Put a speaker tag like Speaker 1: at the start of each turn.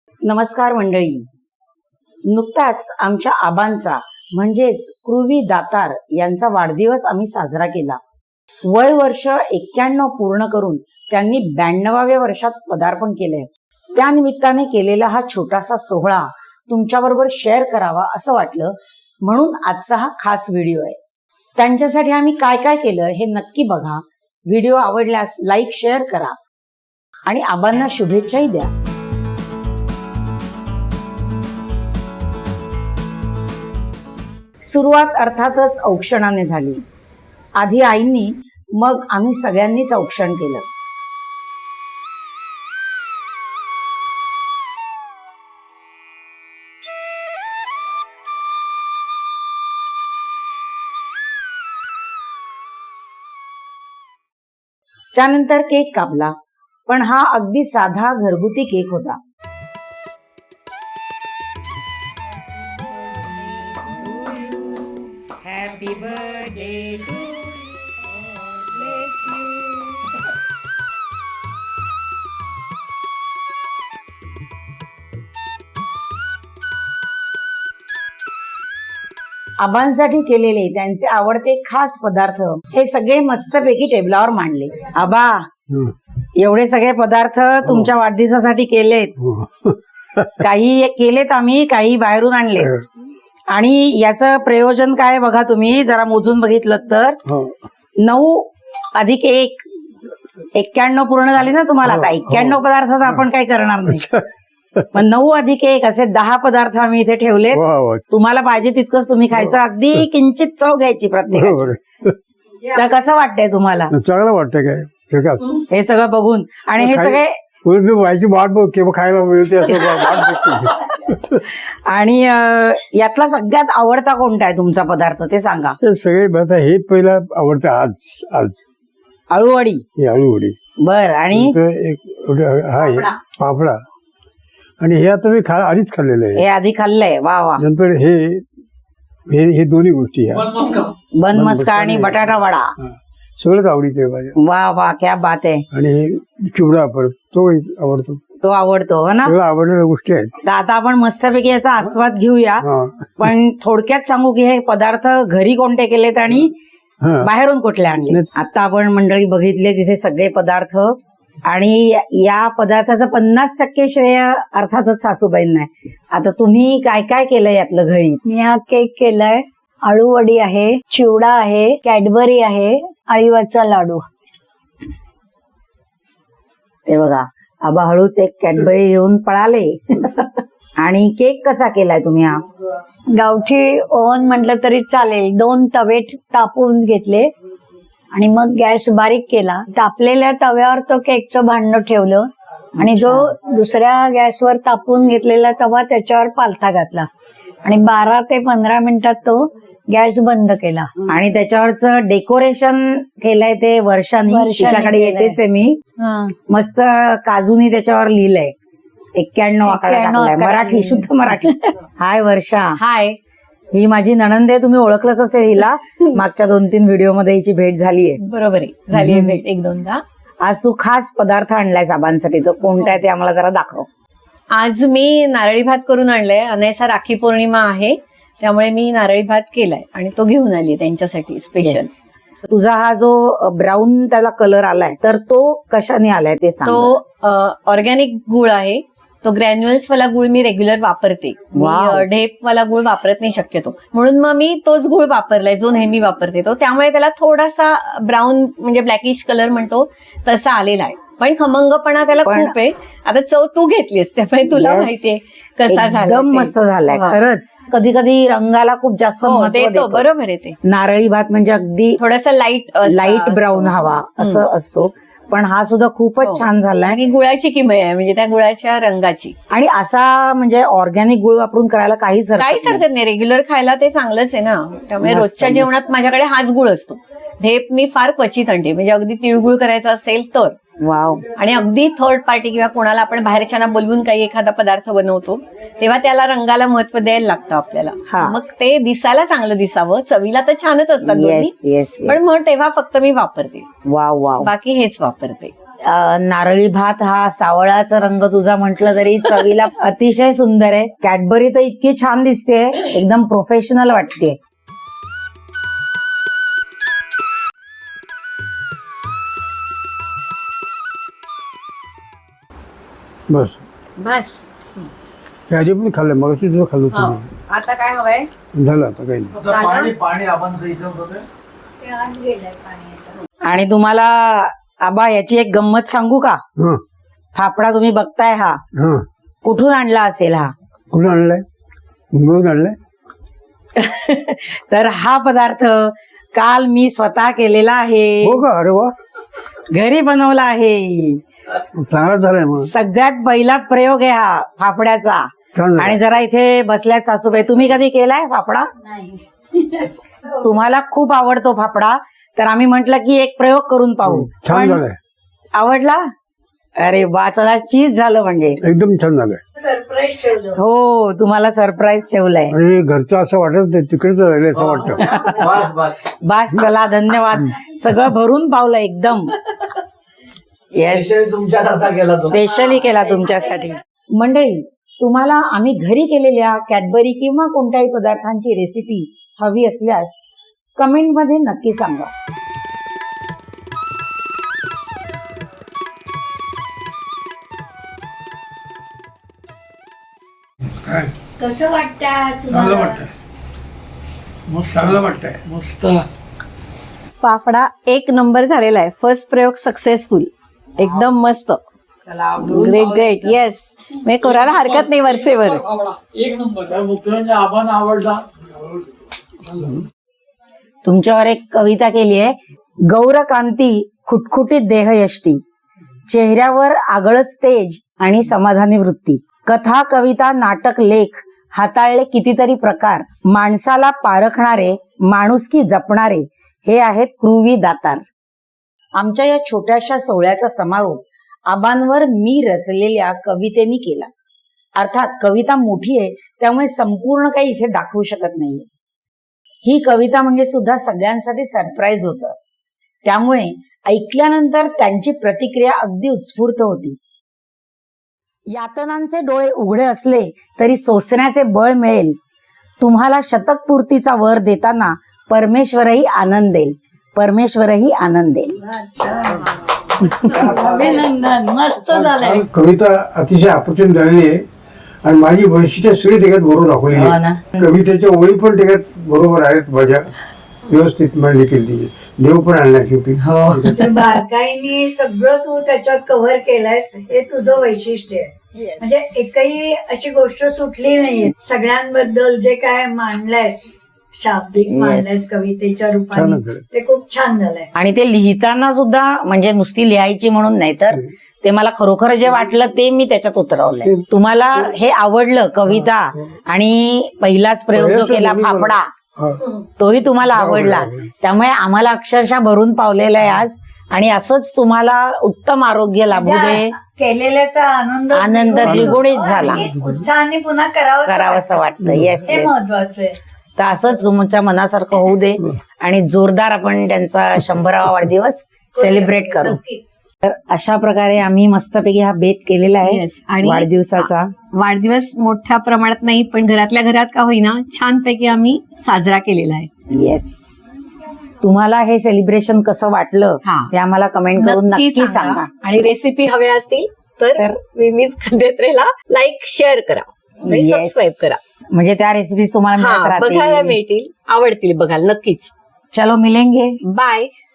Speaker 1: नमस्कार मंडळी. नुकताच आमच्या आबांचा म्हणजेच कृवी दातार यांचा वाढदिवस आम्ही साजरा केला. वय वर्ष 91 पूर्ण करून त्यांनी 92व्या वर्षात पदार्पण केलंय. त्या निमित्ताने केलेला हा छोटासा सोहळा तुमच्याबरोबर शेअर करावा असं वाटलं, म्हणून आजचा हा खास व्हिडिओ आहे. त्यांच्यासाठी आम्ही काय काय केलं हे नक्की बघा. व्हिडिओ आवडल्यास लाईक शेअर करा आणि आबांना शुभेच्छाही द्या. सुरुवात अर्थातच औक्षणाने झाली. आधी आईंनी, मग आम्ही सगळ्यांनीच औक्षण केलं. त्यानंतर केक कापला, पण हा अगदी साधा घरगुती केक होता.
Speaker 2: Happy birthday to you. Bless you.
Speaker 1: आबांसाठी केलेले त्यांचे आवडते खास पदार्थ हे सगळे मस्तपैकी टेबलावर मांडले. आबा, एवढे सगळे पदार्थ तुमच्या वाढदिवसासाठी केलेत. काही केलेत आम्ही, काही बाहेरून आणले. आणि याचं प्रयोजन काय बघा, तुम्ही जरा मोजून बघितलं तर 9 अधिक 1 91 पूर्ण झाली ना तुम्हाला. आता 91 पदार्थात आपण काही करणार नाही, पण 9 अधिक 1 असे 10 पदार्थ आम्ही इथे ठेवले. तुम्हाला पाहिजे तितकंच तुम्ही खायचं, अगदी किंचित चव घ्यायची प्रत्येकाची. तर कसं वाटतंय तुम्हाला?
Speaker 3: चांगलं वाटतंय काय
Speaker 1: हे सगळं बघून? आणि हे सगळे
Speaker 3: व्हायची वाट बघ किंवा खायला मिळते असं.
Speaker 1: आणि यातला सगळ्यात आवडता कोणता आहे तुमचा पदार्थ ते सांगा.
Speaker 3: सगळे आता हे पहिला आवडतं. आज
Speaker 1: अळूवडी.
Speaker 3: ही अळूवडी.
Speaker 1: बर. आणि
Speaker 3: हा आहे पापडा. आणि हे आता मी आधीच खाल्लेलं आहे.
Speaker 1: हे आधी खाल्लंय. वा वा.
Speaker 3: नंतर हे दोन्ही गोष्टी
Speaker 1: बनमस्का आणि बटाटा वडा
Speaker 3: सगळंच आवडीचं आहे माझ्या.
Speaker 1: वा वा, क्या बात आहे.
Speaker 3: आणि हे चिवडा परत तो आवडतो.
Speaker 1: तो आवडतो हो ना.
Speaker 3: सगळं आवडणाऱ्या गोष्टी आहेत.
Speaker 1: तर आता आपण मस्तपैकी याचा आस्वाद घेऊया. पण थोडक्यात सांगू की हे पदार्थ घरी कोणते केलेत आणि बाहेरून कुठले आणले. आता आपण मंडळी बघितले तिथे सगळे पदार्थ, आणि या पदार्थाचं 50% श्रेय अर्थातच सासूबाईंना आहे. आता तुम्ही काय काय केलंय यातलं घरी?
Speaker 4: मी हा केक केलाय, आळूवडी आहे, चिवडा आहे, कॅडबरी आहे, अळीवाचा लाडू.
Speaker 1: ते बघा, आबा हळूच एक कॅडबरी घेऊन पळाले. आणि केक कसा केलाय तुम्ही? हा
Speaker 4: गावठी ओव्हन म्हटलं तरी चालेल. 2 तवे तापून घेतले आणि मग गॅस बारीक केला. तापलेल्या तव्यावर तो केकचं भांडं ठेवलं आणि जो दुसऱ्या गॅसवर तापून घेतलेला तवा त्याच्यावर पालथा घातला आणि 12 ते 15 मिनिटात तो गॅस बंद केला.
Speaker 1: आणि त्याच्यावरच डेकोरेशन केलंय ते वर्षांनी. तिच्याकडे येतेच आहे मी. मस्त काजूनी त्याच्यावर लिहिलंय 91 आकडा टाकलाय. मराठी, शुद्ध मराठी. हाय वर्षा.
Speaker 4: हाय.
Speaker 1: ही माझी नणंद आहे. तुम्ही ओळखलंच असेल हिला. मागच्या 2-3 व्हिडिओ मध्ये हिची भेट झालीये.
Speaker 4: बरोबर आहे, झाली आहे भेट 1-2दा.
Speaker 1: आज तू खास पदार्थ आणलाय साबांसाठी, तो कोणता आहे ते आम्हाला जरा दाखव.
Speaker 5: आज मी नारळी भात करून आणलाय. अनयसा राखी पौर्णिमा आहे, त्यामुळे मी नारळी भात केलाय आणि तो घेऊन आली त्यांच्यासाठी स्पेशल.
Speaker 1: तुझा हा जो ब्राऊन त्याला कलर आलाय, तर तो कशाने आलाय ते सांग.
Speaker 5: तो ऑर्गॅनिक गुळ आहे. तो ग्रॅन्युअल्स वाला गुळ मी रेग्युलर वापरते. मी ढेप वाला गुळ वापरत नाही शक्यतो, म्हणून मग मी तोच गुळ वापरलाय जो नेहमी वापरते तो. त्यामुळे त्याला थोडासा ब्राऊन म्हणजे ब्लॅकिश कलर म्हणतो तसा आलेला आहे, पण खमंगपणा त्याला खूप आहे. आता चव तू घेतलीस त्यामुळे तुला माहितीये कसा झाला.
Speaker 1: एकदम मस्त झालाय खरंच. कधी कधी रंगाला खूप जास्त महत्त्व देतो.
Speaker 5: बरोबर आहे ते.
Speaker 1: नारळी भात म्हणजे अगदी
Speaker 5: थोडासा लाईट
Speaker 1: ब्राऊन हवा असं असतो, पण हा सुद्धा खूपच छान झालाय.
Speaker 5: आणि गुळाची किमया आहे, म्हणजे त्या गुळाच्या रंगाची.
Speaker 1: आणि असा म्हणजे ऑर्गॅनिक गुळ वापरून करायला काहीच
Speaker 5: हरकत नाही. रेग्युलर खायला ते चांगलंच आहे ना. त्यामुळे रोजच्या जेवणात माझ्याकडे हाच गुळ असतो. ढेप मी फार क्वचित आणते, म्हणजे अगदी तिळगुळ करायचा असेल तर.
Speaker 1: वाव.
Speaker 5: आणि अगदी थर्ड पार्टी किंवा कोणाला आपण बाहेरच्यांना बोलवून काही एखादा पदार्थ बनवतो तेव्हा त्याला रंगाला महत्व द्यायला लागतं आपल्याला. मग ते दिसायला चांगलं दिसावं, चवीला तर छानच असतात दोन्ही, पण मग तेव्हा फक्त मी वापरते.
Speaker 1: Wow wow.
Speaker 5: बाकी हेच वापरते.
Speaker 1: नारळी भात हा सावळाचा रंग तुझा म्हटलं तरी चवीला अतिशय सुंदर आहे. कॅडबरी तर इतकी छान दिसते, एकदम प्रोफेशनल वाटते.
Speaker 3: बस
Speaker 5: बस
Speaker 3: हे आधी पण खाल्लं, मग तुझं खाल्लं तुम्ही.
Speaker 5: आता काय हवंय?
Speaker 3: झालं आता काही नाही.
Speaker 6: आता पाणी पाणी आपण इथं बघा.
Speaker 1: आणि तुम्हाला आबा याची एक गंमत सांगू का?
Speaker 3: हं,
Speaker 1: फाफडा तुम्ही बघताय हा
Speaker 3: हं.
Speaker 1: कुठून आणला असेल हा?
Speaker 3: कुठून आणलाय? मुंबईहून आणलाय?
Speaker 1: तर हा पदार्थ काल मी स्वतः केलेला आहे,
Speaker 3: हो का? अरे वा,
Speaker 1: घरी बनवला आहे.
Speaker 3: चांगला झालाय मग.
Speaker 1: सगळ्यात पहिला प्रयोग आहे हा फाफड्याचा.
Speaker 3: छान झालं.
Speaker 1: आणि जरा इथे बसल्यात सासूबाई, तुम्ही कधी केलाय फाफडा? तुम्हाला खूप आवडतो फाफडा, तर आम्ही म्हंटल की एक प्रयोग करून पाहू.
Speaker 3: छान
Speaker 1: पण
Speaker 3: झालंय,
Speaker 1: आवडला? अरे वा, चला चीज झालं म्हणजे.
Speaker 3: एकदम छान झालंय.
Speaker 4: सरप्राईज ठेवलं.
Speaker 1: हो, तुम्हाला सरप्राईज ठेवलंय.
Speaker 3: आणि घरचं असं वाटत नाही, तिकडेच राहिले असं वाटतं.
Speaker 6: बस बस
Speaker 1: बास, चला धन्यवाद. सगळं भरून पावलं एकदम. येस,
Speaker 6: स्पेशल तुमच्याकरता केला तो.
Speaker 1: स्पेशली केला तुमच्यासाठी. मंडळी, तुम्हाला आम्ही घरी केलेल्या कॅडबरी किंवा कोणत्याही पदार्थांची रेसिपी हवी असल्यास कमेंटमध्ये नक्की सांगा.
Speaker 4: कसं वाटतं
Speaker 3: चांगलं
Speaker 4: तुम्हाला?
Speaker 3: वाटतंय,
Speaker 6: मस्त
Speaker 3: चांगलं वाटतंय.
Speaker 6: मस्त.
Speaker 5: फाफडा एक नंबर झालेला आहे. फर्स्ट प्रयोग सक्सेसफुल, एकदम मस्त.
Speaker 1: चला,
Speaker 5: ग्रेट ग्रेट. येस, म्हणजे करायला हरकत नाही वरचे वर.
Speaker 6: एक नंबर. मुख्यमंत्री आपण आवडला.
Speaker 1: तुमच्यावर एक कविता केली आहे. गौरकांती खुटखुटीत देहयष्टी, चेहऱ्यावर आगळच तेज आणि समाधानी वृत्ती. कथा, कविता, नाटक, लेख हाताळले कितीतरी प्रकार. माणसाला पारखणारे, माणुसकी जपणारे हे आहेत क्रूवी दातार. आमच्या या छोट्याशा सोहळ्याचा समारोप आबांवर मी रचलेल्या कवितेनी केला. अर्थात कविता मोठी आहे, त्यामुळे संपूर्ण काही इथे दाखवू शकत नाहीये. ही कविता म्हणजे सुद्धा सगळ्यांसाठी सरप्राईज होतं, त्यामुळे ऐकल्यानंतर त्यांची प्रतिक्रिया अगदी उत्स्फूर्त होती. यातनांचे डोळे उघडे असले तरी सोसण्याचे बळ मिळेल. तुम्हाला शतकपूर्तीचा वर देताना परमेश्वरही आनंद देईल, परमेश्वरही आनंद देईल.
Speaker 4: अभिनंदन, मस्त झालंय.
Speaker 3: कविता अतिशय अप्रतिम झालेली आहे आणि माझी वैशिष्ट्य सगळी त्याच्यात बरोबर दाखवली
Speaker 1: हो
Speaker 3: आहे.
Speaker 1: ना.
Speaker 3: कवितेच्या ओळी पण त्याच्यात बरोबर आहेत, माझ्या व्यवस्थित मांडणी केली तिची. देव पण आणला शेवटी.
Speaker 4: ते बारकाईने सगळं तू त्याच्यात कव्हर केलंयस, हे तुझं वैशिष्ट्य आहे. म्हणजे एकही अशी गोष्ट सुटली नाहीये. सगळ्यांबद्दल जे काय मांडलंयस, शाब्दिक मांडलंयस कवितेच्या रूपाने,
Speaker 3: छानच झालं.
Speaker 4: ते खूप छान झालंय.
Speaker 1: आणि ते लिहिताना सुद्धा म्हणजे नुसती लिहायची म्हणून नाही, तर ते मला खरोखर जे वाटलं ते मी त्याच्यात उतरवलंय. तुम्हाला हे आवडलं कविता, आणि पहिलाच प्रयोग जो केला फाफडा,
Speaker 3: हा.
Speaker 1: तोही तुम्हाला आवडला. त्यामुळे आम्हाला अक्षरशः भरून पावलेलं आहे आज. आणि असंच तुम्हाला उत्तम आरोग्य लाभू दे,
Speaker 4: केलेल्याचा
Speaker 1: आनंद द्विगुणित झाला.
Speaker 4: उत्साहाने पुन्हा करावंसं
Speaker 1: वाटतं. येस,
Speaker 4: हे
Speaker 1: येस.
Speaker 4: महत्वाचं आहे.
Speaker 1: तर असंच तुमच्या मनासारखं होऊ दे आणि जोरदार आपण त्यांचा 100वा वाढदिवस सेलिब्रेट करू. तर अशा प्रकारे आम्ही मस्तपैकी हा बेत केलेला आहे
Speaker 5: Yes, आणि
Speaker 1: वाढदिवसाचा.
Speaker 5: वाढदिवस मोठ्या प्रमाणात नाही, पण घरातल्या घरात का होईना छानपैकी आम्ही साजरा केलेला आहे.
Speaker 1: येस, तुम्हाला हे सेलिब्रेशन कसं वाटलं
Speaker 5: हा.
Speaker 1: ते आम्हाला कमेंट करून नक्की सांगा.
Speaker 5: आणि रेसिपी हव्या असतील तर
Speaker 1: तर
Speaker 5: विमीज खाद्यत्रेला लाईक, शेअर करा आणि
Speaker 1: Yes.
Speaker 5: सबस्क्राईब करा.
Speaker 1: म्हणजे त्या रेसिपीज तुम्हाला मिळत
Speaker 5: हा, बघायला
Speaker 1: राहतील.
Speaker 5: मिळतील, आवडतील बघायला नक्कीच.
Speaker 1: चलो मिलेंगे.
Speaker 5: बाय.